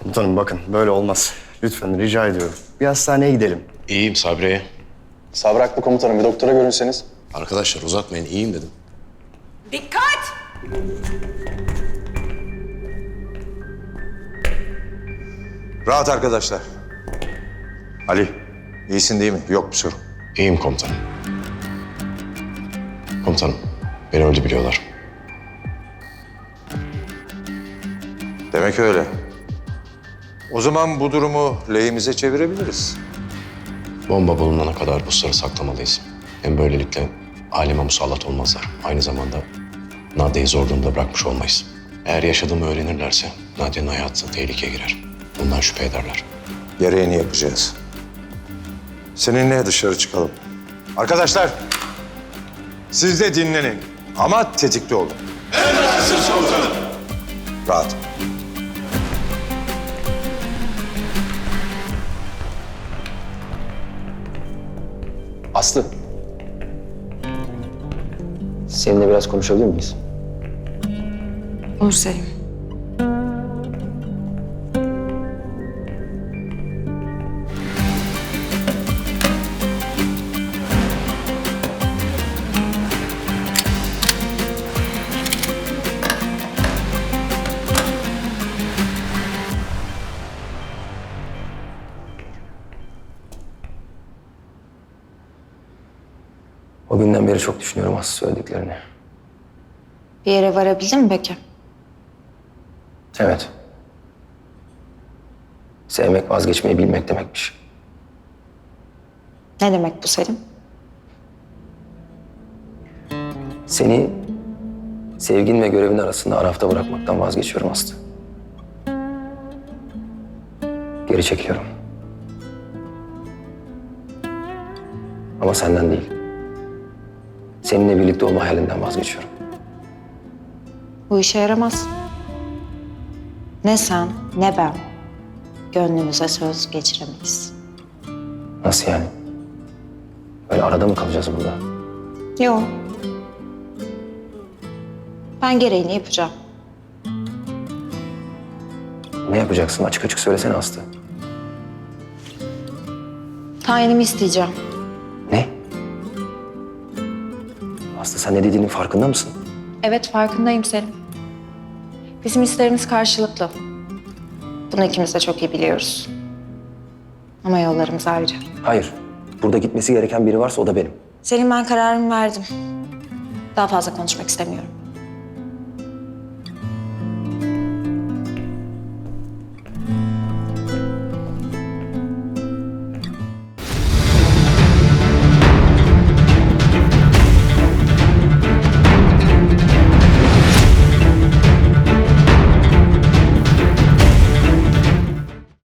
Komutanım bakın böyle olmaz. Lütfen rica ediyorum. Bir hastaneye gidelim. İyiyim Sabri'ye. Sabri haklı komutanım. Bir doktora görünseniz. Arkadaşlar uzatmayın, iyiyim dedim. Dikkat! Rahat arkadaşlar. Ali, iyisin değil mi? Yok bir sorun. İyiyim komutanım. Komutanım, beni öldü biliyorlar. Demek öyle. O zaman bu durumu lehimize çevirebiliriz. Bomba bulunana kadar bu sırrı saklamalıyız. Hem böylelikle aleme musallat olmazlar. Aynı zamanda Nadia'yı zor durumda bırakmış olmayız. Eğer yaşadığımı öğrenirlerse Nadia'nın hayatı tehlikeye girer. Bundan şüphe ederler. Gereğini yapacağız. Seninle dışarı çıkalım. Arkadaşlar, siz de dinlenin ama tetikte olun. Emredersiniz komutanım. Rahat. Aslı. Seninle biraz konuşabilir miyiz? Olur Selim. O günden beri çok düşünüyorum Aslı söylediklerini. Bir yere varabildin mi peki? Evet. Sevmek vazgeçmeyi bilmek demekmiş. Ne demek bu Selim? Seni sevgin ve görevin arasında arafta bırakmaktan vazgeçiyorum Aslı. Geri çekiliyorum. Ama senden değil. Seninle birlikte olma hayalinden vazgeçiyorum. Bu işe yaramaz. Ne sen ne ben gönlümüze söz geçiremeyiz. Nasıl yani? Böyle arada mı kalacağız burada? Yok. Ben gereğini yapacağım. Ne yapacaksın? Açık açık söylesene Aslı. Tayinimi isteyeceğim. Ne? Aslı sen ne dediğinin farkında mısın? Evet farkındayım Selim. Bizim hislerimiz karşılıklı. Bunu ikimiz de çok iyi biliyoruz. Ama yollarımız ayrı. Hayır. Burada gitmesi gereken biri varsa o da benim. Selim ben kararımı verdim. Daha fazla konuşmak istemiyorum.